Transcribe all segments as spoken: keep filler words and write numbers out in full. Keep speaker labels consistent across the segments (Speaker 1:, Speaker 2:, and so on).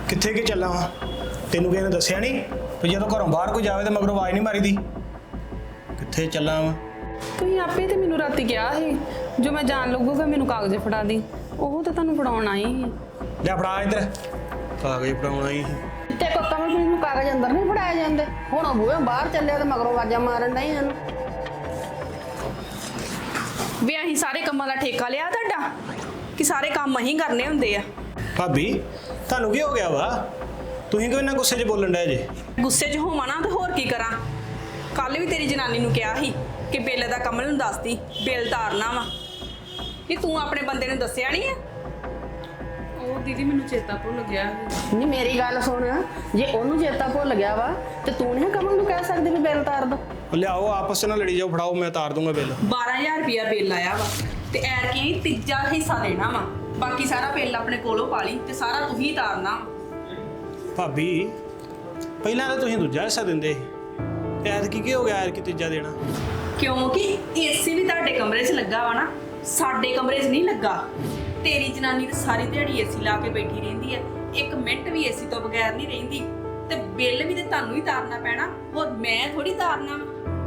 Speaker 1: कित्थे के चला वा तेनू किसी ने दस्सिया नहीं भी जो घरों बाहर कोई जाए तो मगरों आवाज नहीं मारी दी कित्थे चला वा
Speaker 2: ਤੁਸੀਂ ਆਪੇ ਤੇ ਮੈਨੂੰ ਰਾਤੀ ਕਿਹਾ ਸੀ ਜੋ ਮੈਂ ਜਾਣ ਲੱਗੂਗਾ ਮੈਨੂੰ ਕਾਗਜ਼ ਫੜਾ ਦੀ ਉਹ ਤਾਂ ਤੁਹਾਨੂੰ ਫੜਾਉਣ ਆਈ ਸੀ
Speaker 1: ਲੈ ਫੜਾ इधर कागज फड़ाउण आई
Speaker 3: ਤੇ ਕੋ ਕਮਲ ਪੁਲਿਸ ਨੂੰ ਕਾਗਜ਼ ਅੰਦਰ ਨਹੀਂ ਫੜਾਏ ਜਾਂਦੇ ਹੁਣ ਉਹ ਬੂਹੇ ਬਾਹਰ ਚੱਲਿਆ ਤੇ ਮਗਰੋਂ ਆਵਾਜ਼ਾਂ ਮਾਰਨ ਡਈ ਹਨ
Speaker 2: ਵੀ ਅਸੀਂ ਸਾਰੇ ਕੰਮਾਂ ਦਾ ਠੇਕਾ ਲਿਆ ਤੁਹਾਡਾ ਕਿ ਸਾਰੇ ਕੰਮ ਅਸੀਂ ਕਰਨੇ ਹੁੰਦੇ ਆ
Speaker 1: भाभी ਤੁਹਾਨੂੰ ਕੀ ਹੋ ਗਿਆ ਵਾ ਤੁਸੀਂ ਕਿਉਂ ਇੰਨਾ ਗੁੱਸੇ 'ਚ ਬੋਲਣ ਡਏ ਜੇ
Speaker 2: ਗੁੱਸੇ 'ਚ ਹੋਵਾਂ ਨਾ ਤੇ ਹੋਰ ਕੀ ਕਰਾਂ ਕੱਲ ਵੀ ਤੇਰੀ ਜਨਾਨੀ ਨੂੰ ਕਿਹਾ ਸੀ ਕਿ ਬਿੱਲ ਦਾ ਕਮਲ ਨੂੰ ਦੱਸਦੀ ਬਿੱਲ ਤਾਰਨਾ ਵਾ ਕਿ ਤੂੰ ਆਪਣੇ ਬੰਦੇ ਨੂੰ ਦੱਸਿਆ ਨਹੀਂ ਆ ਉਹ ਦੀਦੀ ਮੈਨੂੰ ਚੇਤਾ ਭੁੱਲ ਗਿਆ
Speaker 3: ਨਹੀਂ ਮੇਰੀ ਗੱਲ ਸੁਣ ਜੇ ਉਹਨੂੰ ਚੇਤਾ ਭੁੱਲ ਗਿਆ ਵਾ ਤੇ ਤੂੰ ਨਹੀਂ ਕਮਲ ਨੂੰ ਕਹਿ ਸਕਦੀ ਵੀ ਬਿੱਲ ਤਾਰ ਦੋ
Speaker 1: ਲਿਆਓ ਆਪਸ 'ਚ ਨਾ ਲੜੀ ਜਾਓ ਫੜਾਓ ਮੈਂ ਤਾਰ ਦੂੰਗਾ ਬਿੱਲ
Speaker 2: ਬਾਰਾਂ ਹਜ਼ਾਰ ਰੁਪਇਆ ਬਿੱਲ ਆਇਆ ਵਾ ਤੇ ਐਰ ਕੀ ਤੀਜਾ ਹਿੱਸਾ ਦੇਣਾ ਵਾ ਬਾਕੀ ਸਾਰਾ ਬਿੱਲ ਆਪਣੇ ਕੋਲੋਂ ਪਾ ਲਈ ਤੇ ਸਾਰਾ ਤੂੰ ਹੀ ਤਾਰਨਾ
Speaker 1: ਭਾਬੀ ਪਹਿਲਾਂ ਤਾਂ ਤੁਸੀਂ ਦੂਜਾ ਹਿੱਸਾ ਦਿੰਦੇ ਸੀ ਤੇ ਐਤਕੀ ਕੀ ਹੋ ਗਿਆ ਐਤਕੀ ਤੀਜਾ ਦੇਣਾ
Speaker 2: ਕਿਉਂਕਿ ਏਸੀ ਵੀ ਤੁਹਾਡੇ ਕਮਰੇ 'ਚ ਲੱਗਾ ਵਾ ਨਾ ਸਾਡੇ ਕਮਰੇ 'ਚ ਨਹੀਂ ਲੱਗਾ ਤੇਰੀ ਜਨਾਨੀ ਤਾਂ ਸਾਰੀ ਦਿਹਾੜੀ ਏਸੀ ਲਾ ਕੇ ਬੈਠੀ ਰਹਿੰਦੀ ਹੈ ਇੱਕ ਮਿੰਟ ਵੀ ਏਸੀ ਤੋਂ ਬਗੈਰ ਨਹੀਂ ਰਹਿੰਦੀ ਤੇ ਬਿੱਲ ਵੀ ਤੇ ਤੁਹਾਨੂੰ ਹੀ ਤਾਰਨਾ ਪੈਣਾ ਹੋਰ ਮੈਂ ਥੋੜੀ ਤਾਰਨਾ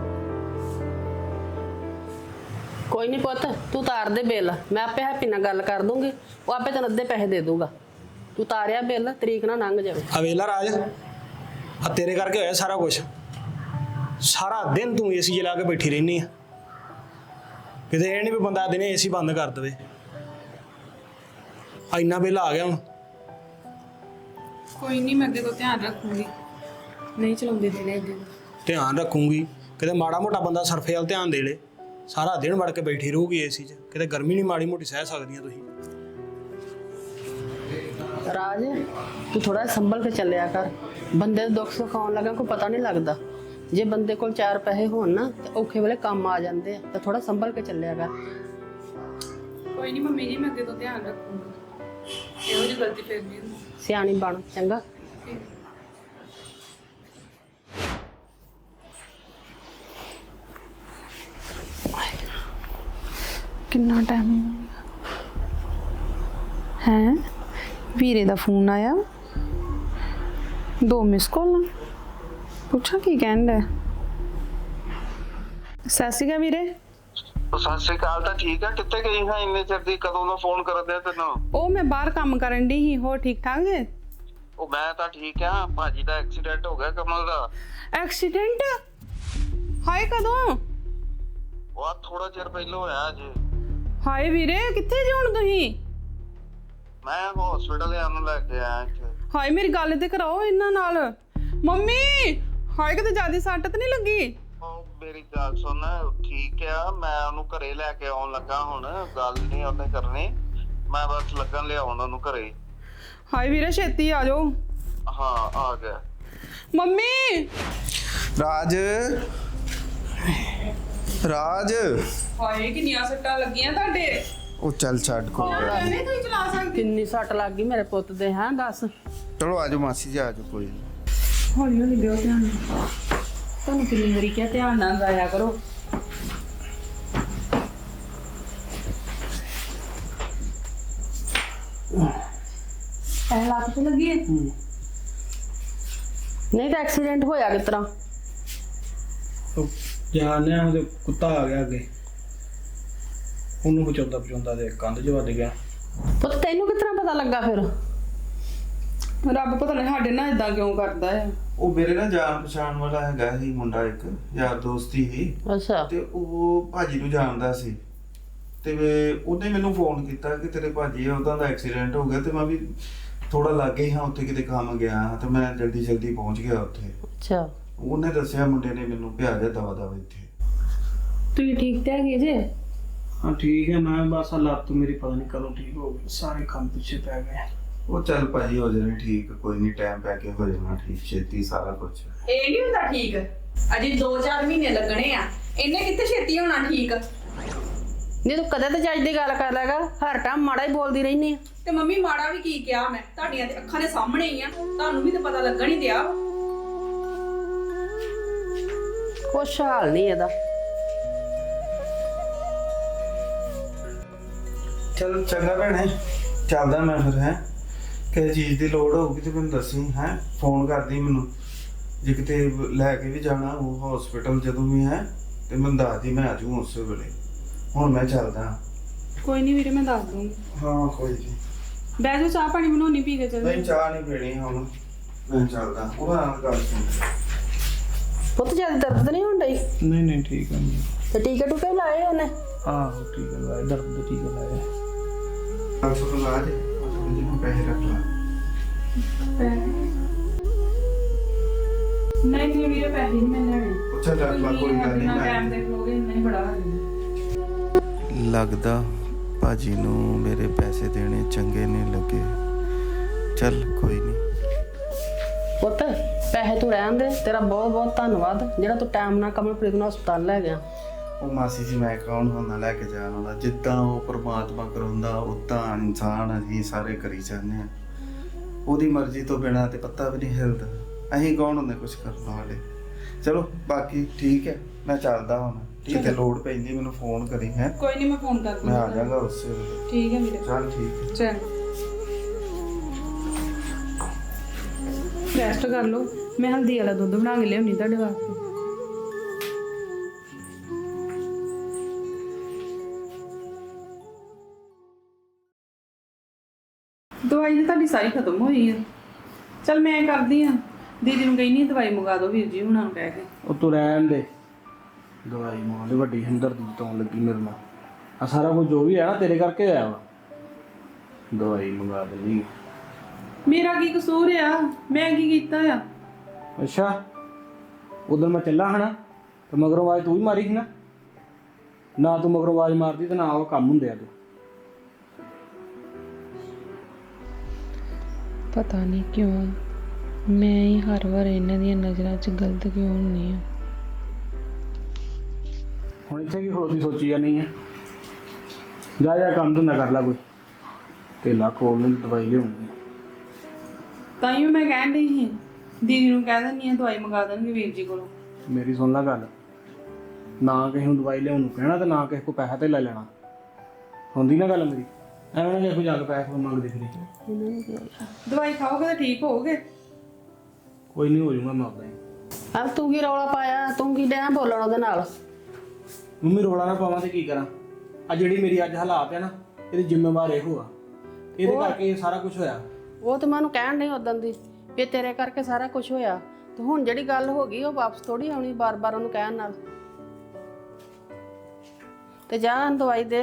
Speaker 3: ਕੋਈ ਨਹੀਂ ਪੁੱਤ ਤੂੰ ਤਾਰ ਦੇ ਬਿੱਲ ਮੈਂ ਆਪੇ ਹੈਪੀ ਨਾਲ ਗੱਲ ਕਰ ਦੂੰਗੀ ਉਹ ਆਪੇ ਤੈਨੂੰ ਅੱਧੇ ਪੈਸੇ ਦੇ ਦੂਗਾ ਤੂੰ ਤਾਰਿਆ ਬਿੱਲ ਤਰੀਕ ਨਾਲ ਲੰਘ ਜਾਵੇ
Speaker 1: ਆ ਵੇਲਾ ਰਾਜ ਆ ਤੇਰੇ ਕਰਕੇ ਹੋਇਆ ਸਾਰਾ ਕੁਝ ਸਾਰਾ ਦਿਨ ਤੂੰ ਏਸੀ ਜਲਾ ਕੇ ਬੈਠੀ ਰਹਿਨੀ ਆ ਕਿਤੇ ਇਹ ਨਹੀਂ ਵੀ ਬੰਦਾ ਦਿਨੇ ਏਸੀ ਬੰਦ ਕਰ ਦੇਵੇ ਆ ਇੰਨਾ ਬਿੱਲ ਆ ਗਿਆ ਹੁਣ
Speaker 2: ਕੋਈ ਨਹੀਂ ਮੈਂ ਅੱਗੇ ਤੋਂ ਧਿਆਨ ਰੱਖੂੰਗੀ ਨਹੀਂ ਚਲਾਉਂਦੇ ਦਿਨੇ ਅੱਗੇ
Speaker 1: ਧਿਆਨ ਰੱਖੂੰਗੀ ਕਿਤੇ ਮਾੜਾ ਮੋਟਾ ਬੰਦਾ ਸਰਫੇ ਵੱਲ ਧਿਆਨ ਦੇ ਲੇ ਸਾਰਾ ਦਿਨ ਵੜ ਕੇ ਬੈਠੀ ਰਹੂਗੀ ਏਸੀ 'ਚ ਕਿਤੇ ਗਰਮੀ ਨਹੀਂ ਮਾੜੀ ਮੋਟੀ ਸਹਿ ਸਕਦੀਆਂ ਤੁਸੀਂ
Speaker 3: ਰਾਜ ਤੂੰ ਥੋੜਾ ਸੰਭਲ ਕੇ ਚੱਲਿਆ ਕਰ ਬੰਦੇ ਦੇ ਦੁੱਖ ਸੁੱਖ ਆਉਣ ਲੱਗਾ ਕੋਈ ਪਤਾ ਨਹੀਂ ਲੱਗਦਾ ਜੇ ਬੰਦੇ ਕੋਲ ਚਾਰ ਪੈਸੇ ਹੋਣ ਨਾ ਤੇ ਔਖੇ ਵੇਲੇ ਕੰਮ ਆ ਜਾਂਦੇ ਆ ਤਾਂ ਥੋੜਾ ਸੰਭਲ ਕੇ ਚੱਲਿਆ ਕਰ
Speaker 2: ਕੋਈ ਨਹੀਂ ਮੰਮੀ ਜੀ ਮੈਂ ਅੱਗੇ ਤੋਂ ਧਿਆਨ ਰੱਖੂੰਗੀ ਇਹੋ ਜਿਹੀ ਗਲਤੀ ਫੇਰ ਨਹੀਂ ਹੁੰਦੀ
Speaker 3: ਸਿਆਣੀ ਬਣ ਚੰਗਾ
Speaker 2: ਕਿੰਨਾ ਟਾਈਮ ਹੈ ਵੀਰੇ ਦਾ ਫੋਨ ਆਇਆ ਦੋ ਮਿਸ ਕਾਲ ਪੁੱਛਾਂ ਕੀ ਕਹਿੰਦਾ ਸਤਿ ਸ਼੍ਰੀ ਅਕਾਲ ਵੀਰੇ
Speaker 4: ਸਤਿ ਸ਼੍ਰੀ ਅਕਾਲ ਤਾਂ ਠੀਕ ਆ ਕਿੱਥੇ ਗਈ ਹਾਂ ਇੰਨੇ ਚਿਰ ਦੀ ਕਦੋਂ ਦਾ ਫੋਨ ਕਰਦੇ ਤੈਨੂੰ
Speaker 2: ਉਹ ਮੈਂ ਬਾਹਰ ਕੰਮ ਕਰਨ ਦੀ ਹੀ ਹੋ ਠੀਕ ਠਾਕ ਹੈ
Speaker 4: ਉਹ ਮੈਂ ਤਾਂ ਠੀਕ ਆ ਭਾਜੀ ਦਾ ਐਕਸੀਡੈਂਟ ਹੋ ਗਿਆ ਕਮਲ ਦਾ
Speaker 2: ਐਕਸੀਡੈਂਟ ਹਾਏ ਕਦੋਂ
Speaker 4: ਉਹ ਥੋੜਾ ਚਿਰ ਪਹਿਲਾਂ ਹੋਇਆ ਜੀ
Speaker 2: ਹਾਏ ਵੀਰੇ ਕਿੱਥੇ ਜੀ ਹੁਣ ਤੁਸੀਂ
Speaker 4: ਮੈਂ ਹਸਪੀਟਲ ਆ ਨੂੰ ਲੈ ਕੇ ਆਇਆ ਇੱਥੇ
Speaker 2: ਹਾਏ ਮੇਰੀ ਗੱਲ ਤੇ ਕਰਾਓ ਇਹਨਾਂ ਨਾਲ ਮੰਮੀ ਹਾਏ ਕਿਤੇ ਜਿਆਦਾ ਸੱਟ ਤੇ ਨਹੀਂ ਲੱਗੀ
Speaker 4: ਉਹ ਮੇਰੀ ਗੱਲ ਸੁਣ ਠੀਕ ਆ ਮੈਂ ਉਹਨੂੰ ਘਰੇ ਲੈ ਕੇ ਆਉਣ ਲੱਗਾ ਹੁਣ ਗੱਲ ਨਹੀਂ ਉਹਨੇ ਕਰਨੀ ਮੈਂ ਬਸ ਲੱਗਣ ਲਿਆਉਣ ਉਹਨੂੰ ਘਰੇ
Speaker 2: ਹਾਏ ਵੀਰੇ ਛੇਤੀ ਆ ਜਾਓ
Speaker 4: ਹਾਂ ਆ ਗਿਆ
Speaker 2: ਮੰਮੀ
Speaker 5: ਰਾਜ ਰਾਜ
Speaker 2: ਹਾਏ ਕਿੰਨੀਆਂ ਸੱਟਾਂ ਲੱਗੀਆਂ ਤੁਹਾਡੇ
Speaker 5: ਉਹ ਚੱਲ ਛੱਡ ਕੋਈ ਗੱਲ ਨੀ।
Speaker 2: ਨਹੀਂ ਤੁਸੀਂ ਚਲਾ ਸਕਦੇ
Speaker 3: ਕਿੰਨੀ ਸੱਟ ਲੱਗ ਗਈ ਮੇਰੇ ਪੁੱਤ ਦੇ ਹਾਂ ਦੱਸ
Speaker 5: ਚਲੋ ਆਜੋ ਮਾਸੀ ਜੀ ਆਜੋ ਕੋਈ ਨੀ।
Speaker 2: ਹੌਲੀ ਹੌਲੀ ਦਿਓ ਧਿਆਨ ਤੁਹਾਨੂੰ ਕਿੰਨੀ ਵਾਰੀ ਕਿਹਾ ਧਿਆਨ ਨਾਲ ਜਾਇਆ ਕਰੋ ਇਹ ਲੱਤ ਤੇ ਲੱਗੀ ਹੈ
Speaker 3: ਨਹੀਂ ਤਾਂ ਐਕਸੀਡੈਂਟ ਹੋਇਆ ਕਿਸ ਤਰ੍ਹਾਂ
Speaker 1: ਜਾਣਿਆ ਉਹਦੇ ਕੁੱਤਾ ਆ ਗਿਆ ਅੱਗੇ ਉਹਨੂੰ ਬਚਾਉਂਦਾ ਬਚਾਉਂਦਾ ਤੇ ਕੰਧ 'ਚ ਵੱਜ ਗਿਆ
Speaker 3: ਪੁੱਤ ਤੈਨੂੰ ਕਿਸ ਤਰ੍ਹਾਂ ਪਤਾ ਲੱਗਾ ਫਿਰ
Speaker 2: ਰੱਬ ਪਤਾ ਨਹੀਂ ਸਾਡੇ ਨਾਲ ਇਦਾਂ ਕਿਉਂ ਕਰਦਾ ਹੈ
Speaker 5: ਉਹ ਮੇਰੇ ਨਾਲ ਜਾਣ ਪਛਾਣ ਵਾਲਾ ਹੈਗਾ ਸੀ ਮੁੰਡਾ ਇੱਕ ਯਾਰ ਦੋਸਤੀ ਸੀ
Speaker 3: ਅੱਛਾ
Speaker 5: ਤੇ ਉਹ ਭਾਜੀ ਨੂੰ ਜਾਣਦਾ ਸੀ ਤੇ ਵੇ- ਉਹਨੇ ਮੈਨੂੰ ਫੋਨ ਕੀਤਾ ਕਿ ਤੇਰੇ ਭਾਜੀ ਆ ਉਹਦਾ ਦਾ ਐਕਸੀਡੈਂਟ ਹੋ ਗਿਆ ਤੇ ਮੈਂ ਵੀ ਥੋੜਾ ਲੱਗੇ ਹੀ ਹਾਂ ਉੱਥੇ ਕਿਤੇ ਕੰਮ ਗਿਆ ਤੇ ਮੈਂ ਜਲਦੀ ਜਲਦੀ ਪਹੁੰਚ ਗਿਆ ਉੱਥੇ
Speaker 3: ਅੱਛਾ
Speaker 5: ਉਹਨੇ ਦੱਸਿਆ ਮੁੰਡੇ ਨੇ ਮੈਨੂੰ ਭਿਆ ਦਿਆ ਦਵਾ ਦਵਾ ਇੱਥੇ
Speaker 2: ਤੁਸੀਂ ਠੀਕ ਤੇ ਹੈਗੇ ਜੇ
Speaker 1: ਹਾਂ ਠੀਕ ਹੈ ਮੈਂ ਬਸ ਲੱਤ ਮੇਰੀ ਪਤਾ ਨਹੀਂ ਕਦੋਂ ਠੀਕ ਹੋ ਗਈ ਸਾਰੇ ਕੰਮ ਪਿੱਛੇ ਪੈ ਗਏ
Speaker 5: ਉਹ ਚੱਲ ਭਾਜੀ ਹੋ ਜਾਣੇ ਠੀਕ ਕੋਈ ਨਹੀਂ ਟਾਈਮ ਪੈ ਕੇ ਹੋ ਜਾਣਾ ਠੀਕ ਛੇਤੀ ਸਾਰਾ ਕੁਝ
Speaker 2: ਇਹ ਨਹੀਂ ਹੁੰਦਾ ਠੀਕ ਅਜੇ ਦੋ ਚਾਰ ਮਹੀਨੇ ਲੱਗਣੇ ਆ ਇਹਨੇ ਕਿੱਥੇ ਛੇਤੀ ਹੋਣਾ ਠੀਕ
Speaker 3: ਨਹੀਂ ਤੂੰ ਕਦੇ ਤਾਂ ਜੱਜ ਦੀ ਗੱਲ ਕਰ ਲਿਆ ਕਰ ਹਰ ਟਾਈਮ ਮਾੜਾ ਹੀ ਬੋਲਦੀ ਰਹਿਨੀ ਆ
Speaker 2: ਤੇ ਮੰਮੀ ਮਾੜਾ ਵੀ ਕੀ ਕਿਹਾ ਮੈਂ ਤੁਹਾਡੀਆਂ ਤੇ ਅੱਖਾਂ ਦੇ ਸਾਹਮਣੇ ਹੀ ਆ ਤੁਹਾਨੂੰ ਵੀ ਤਾਂ ਪਤਾ ਲੱਗਣ ਹੀ ਦਿਆ
Speaker 3: ਕੁਛ ਹਾਲ ਨਹੀਂ ਇਹਦਾ
Speaker 5: ਚਲ ਚੰਗਾ ਭੈਣੇ ਚੱਲਦਾ ਮੈਂ ਫਿਰ ਹੈ ਕਿਸੇ ਚੀਜ਼ ਦੀ ਲੋੜ ਹੋਊਗੀ ਤੇ ਮੈਨੂੰ ਦੱਸੀ ਹੈ, ਫੋਨ ਕਰਦੀ ਮੈਨੂੰ। ਜੇ ਕਿਤੇ ਲੈ ਕੇ ਵੀ ਜਾਣਾ ਉਹ ਹਸਪੀਟਲ ਜਦੋਂ ਵੀ ਹੈ ਤੇ ਮੈਨੂੰ ਦੱਸਦੀ, ਮੈਂ ਆ ਜਾਊਂ ਉਸੇ ਵੇਲੇ। ਹੁਣ ਮੈਂ ਚੱਲਦਾ।
Speaker 2: ਕੋਈ ਨਹੀਂ ਵੀਰੇ, ਮੈਂ ਦੱਸ ਦੂੰਗੀ।
Speaker 5: ਹਾਂ ਕੋਈ ਨਹੀਂ।
Speaker 2: ਬਹਿ ਜਾਓ, ਚਾਹ ਪਾਣੀ ਬਣਾਉਣੀ, ਪੀ ਕੇ ਚੱਲ
Speaker 5: ਨਹੀਂ ਚਾਹ ਨਹੀਂ ਪੀਣੀ ਹੁਣ, ਮੈਂ ਚੱਲਦਾ। ਉਹਨਾਂ ਨਾਲ ਗੱਲ ਸੁਣ।
Speaker 3: ਪੁੱਤ ਜਿਆਦਾ ਦਰਦ ਤਾਂ ਨਹੀਂ ਹੋਣ ਡਈ?
Speaker 1: ਨਹੀਂ ਨਹੀਂ ਠੀਕ ਹੈ ਜੀ।
Speaker 3: ਤੇ ਟੀਕੇ ਟੂਕੇ ਲਾਏ ਉਹਨੇ?
Speaker 1: ਆਹੋ ਠੀਕ ਹੈ, ਲਾਏ ਦਰਦ ਦੇ ਟੀਕੇ ਲਾਏ।
Speaker 5: ਗੱਲ ਸੁਣ ਲਾ ਦੇ, ਥੋੜੇ ਜਿਹੇ ਪੈਸੇ ਰੱਖ ਲਾ।
Speaker 2: ਨਹੀਂ ਨਹੀਂ ਵੀਰੇ, ਪੈਸੇ ਨਹੀਂ ਮੈਂ ਲੈਣੇ।
Speaker 5: ਅੱਛਾ ਰੱਖ ਲਾ, ਕੋਈ ਗੱਲ ਨਹੀਂ।
Speaker 2: ਟਾਈਮ ਦੇਖ ਲੋਗੇ, ਇੰਨਾ ਹੀ ਬੜਾ ਹੈ।
Speaker 5: ਲੱਗਦਾ ਭਾਜੀ ਨੂੰ ਮੇਰੇ ਪੈਸੇ ਦੇਣੇ ਚੰਗੇ ਨਹੀਂ ਲੱਗੇ। ਚੱਲ ਕੋਈ ਨਹੀਂ।
Speaker 3: ਪੁੱਤ ਪੈਸੇ ਤੂੰ ਰਹਿਣ ਦੇ, ਤੇਰਾ ਬਹੁਤ ਬਹੁਤ ਧੰਨਵਾਦ ਜਿਹੜਾ ਤੂੰ ਟਾਈਮ ਨਾਲ ਕਮਲਪ੍ਰੀਤ ਨੂੰ ਹਸਪਤਾਲ ਲੈ ਗਿਆ।
Speaker 5: ਉਹ ਮਾਸੀ ਜੀ ਮੈਂ ਕੌਣ ਹੁੰਦਾ ਲੈ ਕੇ ਜਾਣ ਵਾਲਾ? ਜਿੱਦਾਂ ਉਹ ਪ੍ਰਮਾਤਮਾ ਕਰਾਉਂਦਾ ਉਦਾਂ ਇਨਸਾਨ ਅਸੀਂ ਸਾਰੇ ਕਰੀ ਜਾਂਦੇ ਆ। ਉਹਦੀ ਮਰਜ਼ੀ ਤੋਂ ਬਿਨਾਂ ਤੇ ਪੱਤਾ ਵੀ ਨਹੀਂ ਹਿਲਦਾ। ਅਸੀਂ ਕੌਣ ਹੁੰਦੇ ਕੁਝ ਕਰਨ ਵਾਲੇ? ਚਲੋ ਬਾਕੀ ਠੀਕ ਹੈ, ਮੈਂ ਚੱਲਦਾ ਹੁਣ। ਠੀਕ ਹੈ, ਲੋੜ ਪੈਂਦੀ ਮੈਨੂੰ ਫੋਨ ਕਰੀ ਹੈ।
Speaker 2: ਕੋਈ ਨਹੀਂ, ਮੈਂ ਫੋਨ ਕਰ
Speaker 5: ਮੈਂ ਆ ਜਾਗਾ ਉਸੇ ਵੇਲੇ।
Speaker 2: ਠੀਕ ਹੈ ਵੀਰੇ,
Speaker 5: ਚੱਲ ਠੀਕ ਹੈ।
Speaker 2: ਚਲ ਰੈਸਟ ਕਰ ਲਓ। ਮੈਂ ਹਲਦੀ ਵਾਲਾ ਦੁੱਧ ਬਣਾ ਕੇ ਲਿਆਉਣੀ ਤੁਹਾਡੇ ਵਾਸਤੇ। ਦਵਾਈ ਤਾਂ ਤੁਹਾਡੀ ਸਾਰੀ ਖਤਮ ਹੋਈ ਹੈ। ਚਲ ਮੈਂ ਕਰਦੀ ਆ, ਦੀਦੀ ਨੂੰ ਕਹਿੰਦੀ ਦਵਾਈ ਮੰਗਾ ਦਿਓ ਵੀਰ ਜੀ ਹੁਣਾਂ ਨੂੰ ਕਹਿ ਕੇ।
Speaker 1: ਉਹ ਤੂੰ ਰਹਿਣ ਦੇ, ਦਵਾਈ ਮਾਂ ਦੇ ਵੱਡੀ ਹਮਦਰਦੀ ਤੋਂ ਲੱਗੀ ਮੇਰੇ ਨਾਲ। ਆ ਸਾਰਾ ਕੁਝ ਜੋ ਵੀ ਹੈ ਨਾ ਤੇਰੇ ਕਰਕੇ ਹੋਇਆ ਵਾ। ਦਵਾਈ ਮੰਗਾ ਦੇਣੀ।
Speaker 2: ਮੇਰਾ ਕੀ ਕਸੂਰ ਆ? ਮੈਂ ਕੀ ਕੀਤਾ ਆ?
Speaker 1: ਅੱਛਾ ਉਧਰ ਮੈਂ ਚੱਲਾ ਹਨਾ ਤੇ ਮਗਰੋਂ ਆਵਾਜ਼ ਤੂੰ ਵੀ ਮਾਰੀ ਸੀ ਨਾ। ਨਾ ਤੂੰ ਮਗਰੋਂ ਆਵਾਜ਼ ਮਾਰਦੀ ਤੇ ਨਾ ਉਹ ਕੰਮ ਹੁੰਦੇ ਆ। ਤੂੰ
Speaker 6: ਪਤਾ ਨਹੀਂ ਕਿਉਂ ਮੈਂ ਹੀ ਹਰ ਵਾਰ ਇਹਨਾਂ ਦੀਆਂ ਨਜ਼ਰਾਂ 'ਚ ਗਲਤ ਕਿਉਂ ਹੁੰਦੀ ਹਾਂ।
Speaker 1: ਹੁਣ ਇੱਥੇ ਕੀ ਖਲੋਤੀ ਸੋਚੀ ਜਾਂਦੀ ਹੈ? ਜਾ ਜਾ ਕੰਮ ਧੰਦਾ ਕਰ ਲੈ ਕੋਈ, ਤੇ ਲੱਖ ਹੋਰ ਨੂੰ ਦਵਾਈ ਲਿਆਉਣੀ।
Speaker 2: ਤਾਂ ਹੀ ਮੈਂ ਕਹਿਣ ਡਈ ਸੀ ਦੀਦੀ ਨੂੰ ਕਹਿ ਦਿੰਦੀ ਆ ਦਵਾਈ ਮੰਗਾ ਦੇਣਗੇ ਵੀਰ ਜੀ ਕੋਲੋਂ।
Speaker 1: ਮੇਰੀ ਸੁਣ ਲੈ ਗੱਲ, ਨਾ ਕਿਸੇ ਨੂੰ ਦਵਾਈ ਲਿਆਉਣ ਨੂੰ ਕਹਿਣਾ ਤੇ ਨਾ ਕਿਸੇ ਕੋ ਪੈਸਾ ਤੇ ਲੈ ਲੈਣਾ। ਹੁੰਦੀ ਨਾ ਗੱਲ ਮੇਰੀ? ਐਵੇਂ ਨਾ ਕਿਸੇ ਕੋ ਜਾ ਕੇ ਪੈਸੇ ਮੰਗਦੇ ਫਿਰੇ।
Speaker 2: ਦਵਾਈ ਖਾਓਗੇ ਤਾਂ ਠੀਕ ਹੋਗੇ।
Speaker 1: ਕੋਈ ਨਹੀਂ, ਹੋ ਜਾਊਗਾ ਮੈਂ ਆਪਦਾ ਹੀ।
Speaker 3: ਆ ਤੂੰ ਕੀ ਰੌਲਾ ਪਾਇਆ? ਤੂੰ ਕੀ ਡਿਆ ਬੋਲਣ ਉਹਦੇ ਨਾਲ?
Speaker 1: ਮੰਮੀ ਰੋਲਾ ਨਾ ਪਾਵਾਂ ਤੇ ਕੀ ਕਰਾਂ? ਆ ਜਿਹੜੀ ਮੇਰੀ ਅੱਜ ਹਾਲਾਤ ਹੈ ਨਾ, ਇਹਦੀ ਜ਼ਿੰਮੇਵਾਰ ਇਹੋ ਆ। ਇਹਦੇ ਕਰਕੇ ਇਹ ਸਾਰਾ ਕੁਝ ਹੋਇਆ।
Speaker 3: ਉਹ ਤਾਂ ਮੈਨੂੰ ਕਹਿਣ ਨਹੀਂ ਉਦੋਂ ਦੀ ਵੀ ਤੇਰੇ ਕਰਕੇ ਸਾਰਾ ਕੁਝ ਹੋਇਆ, ਤੇ ਹੁਣ ਜਿਹੜੀ ਗੱਲ ਹੋ ਗਈ ਉਹ ਵਾਪਸ ਥੋੜੀ ਆਉਣੀ ਬਾਰ-ਬਾਰ ਉਹਨੂੰ ਕਹਿਣ ਨਾਲ। ਤੇ ਜਾ ਦਵਾਈ ਦੇ।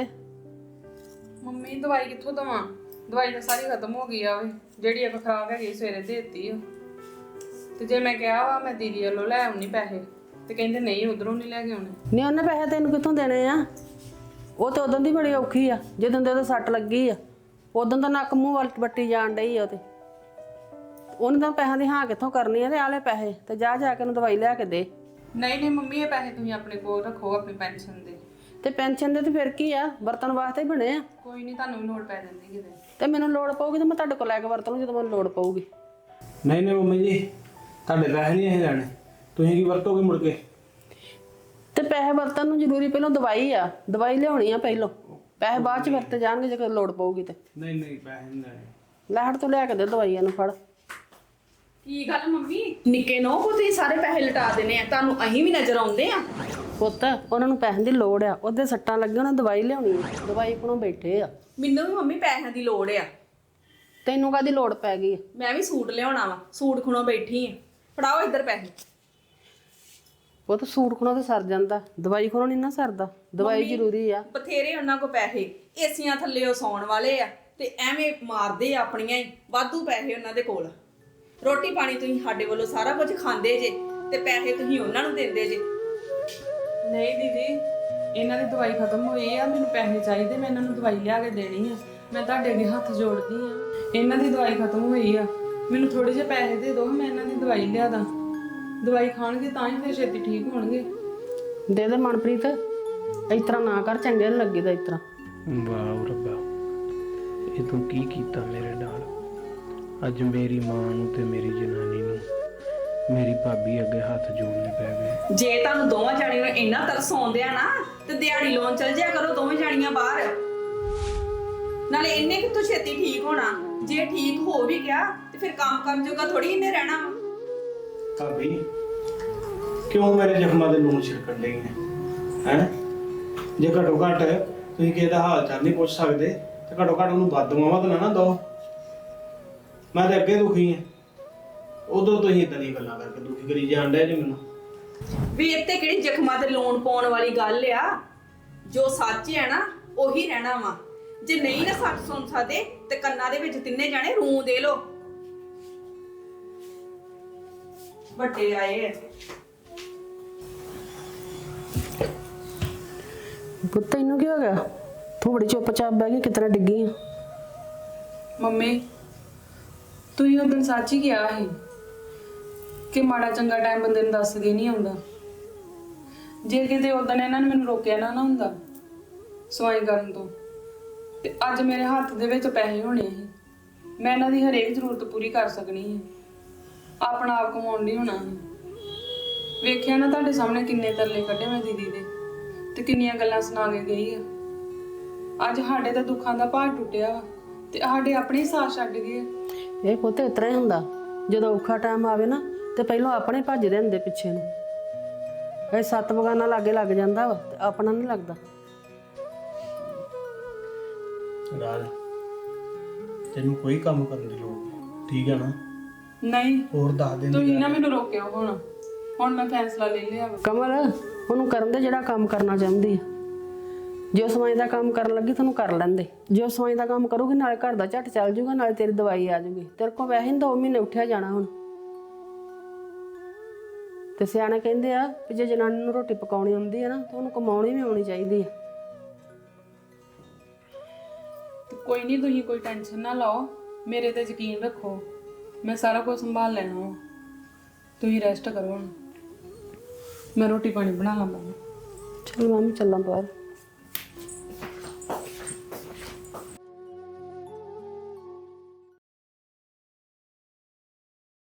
Speaker 2: ਮੰਮੀ ਦਵਾਈ ਕਿੱਥੋਂ ਦਵਾਂ? ਦਵਾਈ ਤਾਂ ਸਾਰੀ ਖਤਮ ਹੋ ਗਈ ਆ ਵੇ। ਜਿਹੜੀ ਇੱਕ ਖਰਾਬ ਹੈਗੀ ਸਵੇਰੇ ਦੇ ਦਿੱਤੀ ਆ। ਤੇ ਜੇ ਮੈਂ ਕਿਹਾ ਵਾ ਮੈਂ ਦੀਦੀ ਵੱਲੋਂ ਲੈ ਆਉਣੀ ਪੈਸੇ, ਤੇ ਕਹਿੰਦੇ ਨਹੀਂ ਉਧਰੋਂ ਨਹੀਂ ਲੈ ਕੇ ਆਉਣੇ।
Speaker 3: ਨਹੀਂ ਉਹਨੇ ਪੈਸੇ ਤੈਨੂੰ ਕਿੱਥੋਂ ਦੇਣੇ ਆ? ਉਹ ਤੇ ਉਦੋਂ ਦੀ ਬੜੀ ਔਖੀ ਆ, ਜਦੋਂ ਦੇ ਉਹਦੇ ਸੱਟ ਲੱਗੀ ਆ ਉਦੋਂ ਦਾ ਨੱਕ ਮੂੰਹ ਵੱਲ ਵੱਟੀ ਜਾਣ ਡਈ ਆ। ਉਹ ਤੇ ਉਹਨੇ ਤਾਂ ਪੈਸਿਆਂ ਦੀ ਹਾਂ ਕਿੱਥੋਂ ਕਰਨੀ ਆ? ਤੇ ਆਲੇ ਪੈਸੇ ਤੇ ਜਾ ਜਾ ਕੇ ਉਹਨੂੰ ਦਵਾਈ ਲਿਆ ਕੇ ਦੇ।
Speaker 2: ਨਹੀਂ ਨਹੀਂ ਮੰਮੀ, ਇਹ ਪੈਸੇ ਤੁਸੀਂ ਆਪਣੇ ਕੋਲ ਰੱਖੋ, ਆਪਣੀ ਪੈਨਸ਼ਨ ਦੇ।
Speaker 3: ਤੇ ਪੈਨਸ਼ਨ ਦੇ ਤੇ ਫਿਰ ਕੀ ਆ, ਵਰਤਣ ਵਾਸਤੇ ਹੀ ਬਣੇ ਆ।
Speaker 2: ਕੋਈ ਨਹੀਂ, ਤੁਹਾਨੂੰ ਵੀ ਲੋੜ ਪੈ ਜਾਂਦੀ ਕਿਤੇ।
Speaker 3: ਤੇ ਮੈਨੂੰ ਲੋੜ ਪਊਗੀ ਤੇ ਮੈਂ ਤੁਹਾਡੇ ਕੋਲ ਲੈ ਕੇ ਵਰਤ ਲੂੰ ਜਦੋਂ ਮੈਨੂੰ ਲੋੜ ਪਊਗੀ।
Speaker 1: ਨਹੀਂ ਨਹੀਂ ਮੰਮੀ ਜੀ, ਤੁਹਾਡੇ ਪੈਸੇ ਨਹੀਂ ਇਹ ਲੈਣੇ। ਤੁਸੀਂ ਕੀ ਵਰਤੋਗੇ ਮੁੜ ਕੇ?
Speaker 3: ਤੇ ਪੈਸੇ ਵਰਤਣ ਨੂੰ ਜ਼ਰੂਰੀ ਪਹਿਲਾਂ ਦਵਾਈ ਆ, ਦਵਾਈ ਲਿਆਉਣੀ ਆ ਪਹਿਲਾਂ। ਪੈਸੇ ਬਾਅਦ ਚ ਵਰਤੇ ਜਾਣਗੇ ਜੇ ਕੋਈ ਲੋੜ ਪਊਗੀ ਤੇ।
Speaker 1: ਨਹੀਂ ਨਹੀਂ ਪੈਸੇ ਨਹੀਂ ਲੈਣੇ।
Speaker 3: ਲੈ ਹੜ ਤੂੰ ਲਿਆ ਕੇ ਦੇ ਦਵਾਈਆਂ ਨੂੰ, ਫੜ।
Speaker 2: ਕੀ ਗੱਲ ਮੰਮੀ, ਨਿੱਕੇ ਨੋ ਕੋ ਤੁਸੀਂ ਸਾਰੇ ਪੈਸੇ ਲਟਾ ਦੇਣੇ ਆ? ਤੁਹਾਨੂੰ ਅਸੀਂ ਵੀ ਨਜ਼ਰ ਆਉਂਦੇ ਆ?
Speaker 3: ਪੁੱਤ ਉਹਨਾਂ ਨੂੰ ਪੈਸਿਆਂ ਦੀ ਲੋੜ ਆ, ਉਹਦੇ ਸੱਟਾਂ ਲੱਗੀਆਂ, ਉਹਨਾਂ ਦਵਾਈ ਲਿਆਉਣੀ ਆ। ਦਵਾਈ ਕੋਲੋਂ ਬੈਠੇ ਆ।
Speaker 2: ਮੈਨੂੰ ਵੀ ਮੰਮੀ ਪੈਸਿਆਂ ਦੀ ਲੋੜ ਆ।
Speaker 3: ਤੈਨੂੰ ਕਾਹਦੀ ਲੋੜ ਪੈ ਗਈ ਆ?
Speaker 2: ਮੈਂ ਵੀ ਸੂਟ ਲਿਆਉਣਾ ਵਾ, ਸੂਟ ਖੁਣੋਂ ਬੈਠੀ ਆ। ਫੜਾਓ ਇੱਧਰ ਪੈਸੇ।
Speaker 3: ਪੁੱਤ ਸੂਟ ਖੋਣੋਂ ਤੇ ਸਰ ਜਾਂਦਾ, ਦਵਾਈ ਖੋਣੋਂ ਨਹੀਂ ਨਾ ਸਰਦਾ। ਦਵਾਈ ਜ਼ਰੂਰੀ ਆ।
Speaker 2: ਬਥੇਰੇ ਉਹਨਾਂ ਕੋ ਪੈਸੇ, ਏਸੀਆਂ ਥੱਲੇ ਉਹ ਸੌਣ ਵਾਲੇ ਆ, ਤੇ ਐਵੇਂ ਮਾਰਦੇ ਆ ਆਪਣੀਆਂ ਹੀ। ਵਾਧੂ ਪੈਸੇ ਉਹਨਾਂ ਦੇ ਕੋਲ। ਰੋਟੀ ਪਾਣੀ ਤੁਸੀਂ ਸਾਡੇ ਵੱਲੋਂ ਸਾਰਾ ਕੁਝ ਖਾਂਦੇ ਜੇ, ਤੇ ਪੈਸੇ ਤੁਸੀਂ ਉਹਨਾਂ ਨੂੰ ਦਿੰਦੇ ਜੇ। ਨਹੀਂ ਦੀਦੀ, ਇਹਨਾਂ ਦੀ ਦਵਾਈ ਖਤਮ ਹੋਈ ਆ, ਮੈਨੂੰ ਪੈਸੇ ਚਾਹੀਦੇ, ਮੈਂ ਇਹਨਾਂ ਨੂੰ ਦਵਾਈ ਲਿਆ ਕੇ ਦੇਣੀ ਆ। ਮੈਂ ਤੁਹਾਡੇ ਅੱਗੇ ਹੱਥ ਜੋੜਦੀ ਆ, ਇਹਨਾਂ ਦੀ ਦਵਾਈ ਖਤਮ ਹੋਈ ਆ, ਮੈਨੂੰ ਥੋੜੇ ਜਿਹੇ ਪੈਸੇ ਦੇ ਦਿਓ, ਮੈਂ ਇਹਨਾਂ ਦੀ ਦਵਾਈ ਲਿਆ ਦਾਂ। ਦਵਾਈ ਖਾਣਗੇ ਤਾਂ ਹੀ ਫਿਰ ਛੇਤੀ ਠੀਕ ਹੋਣਗੇ।
Speaker 3: ਦੇ ਦੇ ਮਨਪ੍ਰੀਤ, ਇਸ ਤਰ੍ਹਾਂ ਨਾ ਕਰ, ਚੰਗੇ ਨਹੀਂ ਲੱਗੀਦਾ ਇਸ ਤਰ੍ਹਾਂ।
Speaker 7: ਵਾਹ ਰੱਬਾ, ਇਹ ਤੂੰ ਕੀ ਕੀਤਾ ਮੇਰੇ ਨਾਲ? ਅੱਜ ਮੇਰੀ ਮਾਂ ਨੂੰ ਤੇ ਮੇਰੀ ਜਨਾਨੀ ਨੂੰ ਮੇਰੀ ਭਾਬੀ ਅੱਗੇ ਹੱਥ ਜੋੜਨੇ ਪੈ ਗਏ।
Speaker 2: ਜੇ ਤੁਹਾਨੂੰ ਦੋਵਾਂ ਜਾਣੀਆਂ ਨੂੰ ਇੰਨਾ ਤਰਸ ਆਉਂਦਿਆ ਨਾ, ਤੇ ਦਿਹਾੜੀ ਲਾਉਣ ਚਲ ਜਿਆ ਕਰੋ ਦੋਵੇਂ ਜਾਣੀਆਂ ਬਾਹਰ। ਨਾਲੇ ਇੰਨੇ ਕਿੱਥੋਂ ਛੇਤੀ ਠੀਕ ਹੋਣਾ? ਜੇ ਠੀਕ ਹੋ ਵੀ ਗਿਆ ਤੇ ਫਿਰ ਕੰਮ ਕਰਨ ਜੋਗਾ ਥੋੜੀ ਇਹਨੇ ਰਹਿਣਾ ਵਾ।
Speaker 1: ਭਾਬੀ ਕਿਉਂ ਮੇਰੇ ਜ਼ਖਮਾਂ ਦੇ ਲੂਣ ਛਿੜਕਣ ਲਈ ਨੇ ਹੈ? ਜੇ ਘੱਟੋ ਘੱਟ ਤੁਸੀਂ ਕਿਸੇ ਦਾ ਹਾਲ ਚਾਲ ਨਹੀਂ ਪੁੱਛ ਸਕਦੇ ਤੇ ਘੱਟੋ ਘੱਟ ਉਹਨੂੰ ਬਦਦੁਆਵਾਂ ਤਾਂ ਨਾ ਦਿਓ। ਮੈਂ ਤਾਂ ਅੱਗੇ ਦੁਖੀ ਹਾਂ, ਉਦੋਂ ਤੁਸੀਂ ਇਦਾਂ ਦੀਆਂ ਗੱਲਾਂ ਕਰਕੇ ਦੁਖੀ ਕਰੀ ਜਾਣ ਡਿਆ ਜੀ ਮੈਨੂੰ।
Speaker 2: ਵੀ ਇੱਥੇ ਕਿਹੜੀ ਜ਼ਖਮਾਂ ਤੇ ਲੂਣ ਪਾਉਣ ਵਾਲੀ ਗੱਲ ਆ? ਜੋ ਸੱਚ ਹੈ ਨਾ ਉਹੀ ਰਹਿਣਾ ਵਾ। ਜੇ ਨਹੀਂ ਨਾ ਸੱਚ ਸੁਣ ਸਕਦੇ ਤੇ ਕੰਨਾਂ ਦੇ ਵਿੱਚ ਤਿੰਨੇ ਜਾਣੇ ਰੂ ਦੇ ਲੋ। ਵੱਡੇ ਆਏ ਆ।
Speaker 3: ਪੁੱਤ ਤੈਨੂੰ ਕੀ ਹੋ ਗਿਆ? ਤੂੰ ਬੜੀ ਚੁੱਪਚਾਪ ਬਹਿ ਗਈ, ਕਿਤਨਾ ਡਿੱਗੀ ਆ?
Speaker 6: ਮੰਮੀ ਤੁਸੀਂ ਉਦੋਂ ਸੱਚ ਹੀ ਕਿਹਾ ਸੀ ਕਿ ਮਾੜਾ ਚੰਗਾ ਟਾਈਮ ਬੰਦੇ ਨੂੰ ਦੱਸ ਕੇ ਨਹੀਂ ਆਉਂਦਾ। ਜੇ ਕਿਤੇ ਉਦੋਂ ਇਹਨਾਂ ਨੇ ਮੈਨੂੰ ਰੋਕਿਆ ਨਾ ਨਾ ਹੁੰਦਾ ਸਵਾਈ ਕਰਨ ਤੋਂ, ਤੇ ਅੱਜ ਮੇਰੇ ਹੱਥ ਦੇ ਵਿੱਚ ਪੈਸੇ ਹੋਣੇ ਸੀ, ਮੈਂ ਇਹਨਾਂ ਦੀ ਹਰੇਕ ਜ਼ਰੂਰਤ ਪੂਰੀ ਕਰ ਸਕਣੀ ਸੀ, ਆਪਣਾ ਆਪ ਕਮਾਉਣ ਨਹੀਂ ਹੋਣਾ ਸੀ। ਵੇਖਿਆ ਨਾ ਤੁਹਾਡੇ ਸਾਹਮਣੇ ਕਿੰਨੇ ਤਰਲੇ ਕੱਢੇ ਮੈਂ ਦੀਦੀ ਦੇ, ਤੇ ਕਿੰਨੀਆਂ ਗੱਲਾਂ ਸੁਣਾ ਕੇ ਗਈ ਆ। ਅੱਜ ਸਾਡੇ ਤਾਂ ਦੁੱਖਾਂ ਦਾ ਭਾਰ ਟੁੱਟਿਆ ਵਾ ਤੇ ਸਾਡੇ ਆਪਣੇ ਹੀ ਸਾਥ ਛੱਡ ਗਏ।
Speaker 3: ਇਹ ਪੁੱਤ ਇਸ ਤਰ੍ਹਾਂ ਹੀ ਹੁੰਦਾ, ਜਦੋਂ ਔਖਾ ਟਾਈਮ ਆਵੇ ਨਾ ਤੇ ਪਹਿਲਾਂ ਆਪਣੇ ਭੱਜਦੇ ਹੁੰਦੇ ਪਿੱਛੇ ਨੂੰ। ਇਹ ਸੱਤ ਬਗਾਨਾ ਲਾਗੇ ਲੱਗ ਜਾਂਦਾ ਵਾ ਤੇ ਆਪਣਾ ਨਹੀਂ ਲੱਗਦਾ।
Speaker 1: ਰਾਜ ਤੈਨੂੰ ਕੋਈ ਕੰਮ ਕਰਨ ਦੀ ਲੋੜ ਨਹੀਂ, ਠੀਕ ਹੈ ਨਾ?
Speaker 6: ਨਹੀਂ
Speaker 1: ਹੋਰ ਦੱਸ ਦਿਨ
Speaker 6: ਤੁਸੀਂ ਨਾ ਮੈਨੂੰ ਰੋਕਿਓ ਹੁਣ ਹੁਣ ਮੈਂ ਫੈਸਲਾ ਲੈ ਲਿਆ ਵਾ।
Speaker 3: ਕਮਲ ਉਹਨੂੰ ਕਰਨ ਦੇ ਜਿਹੜਾ ਕੰਮ ਕਰਨਾ ਚਾਹੁੰਦੀ ਆ। ਜੇ ਉਹ ਸਵਾਈ ਦਾ ਕੰਮ ਕਰਨ ਲੱਗੀ ਤੁਹਾਨੂੰ ਕਰ ਲੈਂਦੇ। ਜੇ ਉਹ ਸਵਾਈ ਦਾ ਕੰਮ ਕਰੂਗੀ ਨਾਲੇ ਘਰ ਦਾ ਝੱਟ ਚੱਲ ਜੂਗਾ, ਨਾਲੇ ਤੇਰੀ ਦਵਾਈ ਆ ਜੂਗੀ। ਤੇਰੇ ਕੋਲ ਵੈਸੇ ਹੀ ਦੋ ਮਹੀਨੇ ਉੱਠਿਆ ਜਾਣਾ ਹੁਣ। ਤੇ ਸਿਆਣੇ ਕਹਿੰਦੇ ਆ ਕਿ ਜੇ ਜਨਾਨੀ ਨੂੰ ਰੋਟੀ ਪਕਾਉਣੀ ਆਉਂਦੀ ਹੈ ਨਾ ਤਾਂ ਉਹਨੂੰ ਕਮਾਉਣੀ ਵੀ ਆਉਣੀ ਚਾਹੀਦੀ ਆ।
Speaker 6: ਤੇ ਕੋਈ ਨਹੀਂ, ਤੁਸੀਂ ਕੋਈ ਟੈਨਸ਼ਨ ਨਾ ਲਓ, ਮੇਰੇ ਤੇ ਯਕੀਨ ਰੱਖੋ, ਮੈਂ ਸਾਰਾ ਕੁਝ ਸੰਭਾਲ ਲੈਣਾ ਵਾ। ਤੁਸੀਂ ਰੈਸਟ ਕਰੋ ਹੁਣ, ਮੈਂ ਰੋਟੀ ਪਾਣੀ ਬਣਾ ਲਾਂ।
Speaker 3: ਚਲ ਮੰਮੀ ਚੱਲਾਂ ਬਾਹਰ।